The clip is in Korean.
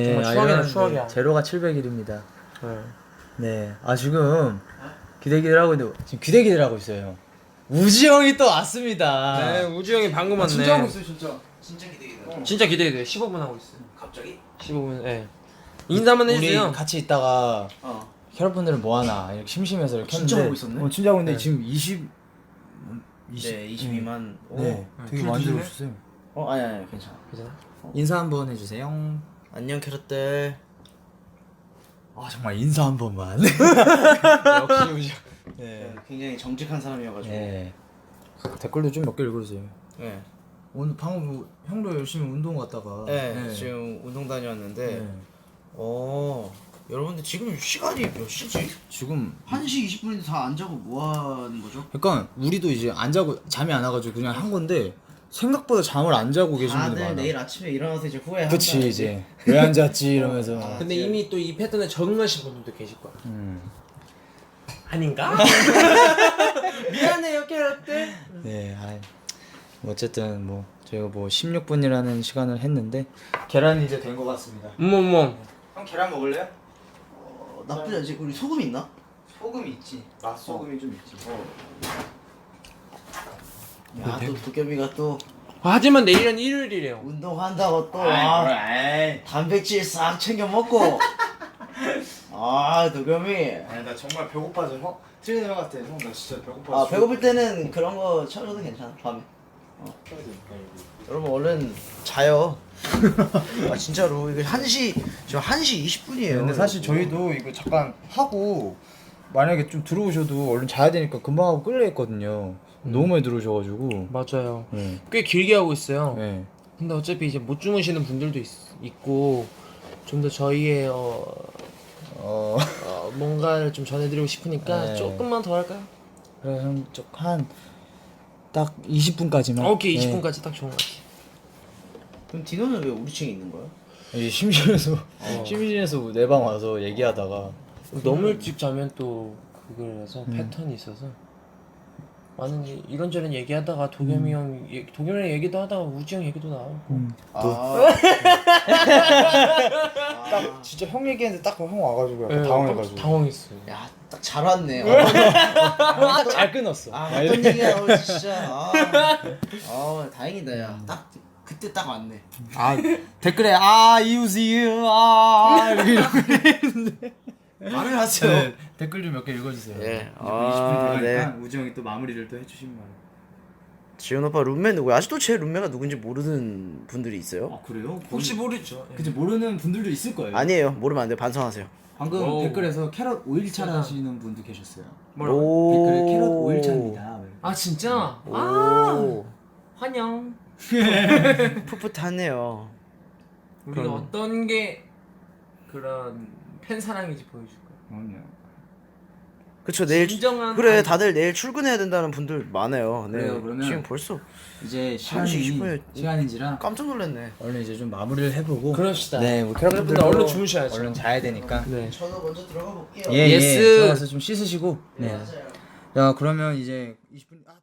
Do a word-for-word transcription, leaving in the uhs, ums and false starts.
정말 추억이네 추억이야. 제로가 칠백 일입니다. 네. 네. 아 지금 기대기들 하고 있는데 지금 기대기들 하고 있어요. 우지 형이 또 왔습니다. 네 우주 형이 방금 왔네. 진짜 하고 있어요 진짜. 진짜 기대기다. 진짜 기대돼. 십오 분 하고 있어. 갑자기? 십오 분. 예. 네. 인사 한번 해주세요. 우리 같이 있다가 어. 캐럿분들은 뭐 하나 이렇게 심심해서 이렇게 진짜 했는데 하고 있었네? 어, 진짜 하고 있는데 네. 지금 이십 네, 이십이만. 오. 네. 되게 줄 많이 드실래? 들어오셨어요. 어, 아니 아니 괜찮아. 괜찮아? 인사 한번 해주세요. 안녕 캐럿들. 아 정말 인사 한 번만. 역시 우지 형. 네. 네, 굉장히 정직한 사람이어가지고. 네. 댓글도 좀 몇 개 읽어주세요. 네. 오늘 방금 뭐 형도 열심히 운동 갔다가 네, 지금 운동 다녀왔는데. 네. 어. 여러분들 지금 시간이 몇 시지? 지금 한 시 이십 분인데 다 안 자고 뭐 하는 거죠? 그러니까 우리도 이제 안 자고 잠이 안 와가지고 그냥 한 건데 생각보다 잠을 안 자고 계신 분들 다들 많아. 내일 아침에 일어나서 이제 후회한다. 그치 이제 왜 안 잤지 이러면서. 아, 근데 이미 또 이 패턴에 적응하신 분들도 계실 거야. 음. 아닌가? 미안해요 캐럿들. 네. 아이, 뭐 어쨌든 뭐 저희가 뭐 십육 분이라는 시간을 했는데 계란이 이제 된 것 같습니다. 어머머. 형 계란 먹을래요? 어, 나쁘지 않지. 우리 소금 있나? 소금 있지. 맛소금이 좀 있지. 어. 야, 또 도겸이가 또 하지만 내일은 일요일이래요. 운동한다고 또 아이, 아, 그래, 아이. 단백질 싹 챙겨 먹고. 아, 도겸이. 아니 나 정말 배고파서 형 트레이너 형 같아. 형 나 진짜 배고파서. 아, 배고플 때는 그런 거 쳐줘도 괜찮아. 밤에. 어. 여러분 얼른 자요. 아 진짜로 이게 한 시 지금 한 시 이십 분이에요. 근데 사실 저희도 이거 잠깐 하고 만약에 좀 들어오셔도 얼른 자야 되니까 금방 하고 끌려 했거든요. 너무 많이 들어오셔가지고. 맞아요. 네. 꽤 길게 하고 있어요. 네. 근데 어차피 이제 못 주무시는 분들도 있, 있고 좀 더 저희의 어, 어. 어, 뭔가를 좀 전해드리고 싶으니까 네. 조금만 더 할까요? 그래 한딱 이십 분까지만. 오케이 이십 분까지 딱 좋은 것 같아. 그럼 디노는 왜 우리 층에 있는 거야? 네. 심심해서 심심해서 내 방 와서 얘기하다가 너무 일찍 자면 또 그거라서 음. 패턴이 있어서 많은 이- 이런저런 얘기하다가 도겸이 형 얘- 도겸이랑 얘기도 하다가 우지 형 얘기도 나오고 음. 아. 딱 진짜 형 얘기했는데 딱 형 와가지고 약간 네, 당황해가지고. 당황했어요. 야, 딱 잘 왔네. 아, 잘 끊었어. 아 어떤 얘기야, 어, 진짜. 아, 아, 다행이다, 야. 딱 그때 딱 왔네. 아 댓글에 아 이웃이유 아 이렇게 이렇게 말을 하세요. 네, 댓글 좀 몇 개 읽어주세요. 예. 이제 아, 이십 분 들어가니까 네. 우지 형이 또 마무리를 또 해주시면 말이에요. 지훈 오빠 룸메 누구야? 아직도 제 룸메가 누군지 모르는 분들이 있어요? 아 그래요? 혹시 모르죠. 그치 모르는 분들도 있을 거예요. 아니에요. 모르면 안 돼요. 반성하세요. 방금 오. 댓글에서 캐럿 오일차 하시는 분도 계셨어요. 뭐라고? 댓글에 캐럿 오일차입니다. 아 진짜? 오. 아 환영. 풋풋하네요. 우리가 그럼. 어떤 게 그런 팬 사랑인지 보여줄 거야. 그럼요. 그쵸, 내일 진정한 그래 안- 다들 내일 출근해야 된다는 분들 많아요. 네. 그래요, 그러면- 지금 벌써 이제 한 시 이십 분에 시간이 시간인지라 깜짝 놀랐네. 얼른 이제 좀 마무리를 해보고. 그럽시다. 네, 우리 캐럿분들 캐럿분들도 얼른 주무셔야죠. 얼른 자야 되니까. 네. 저도 먼저 들어가 볼게요. 예, 예. 예스. 들어가서 좀 씻으시고. 네. 맞아요. 자, 그러면 이제 이십 분. 아,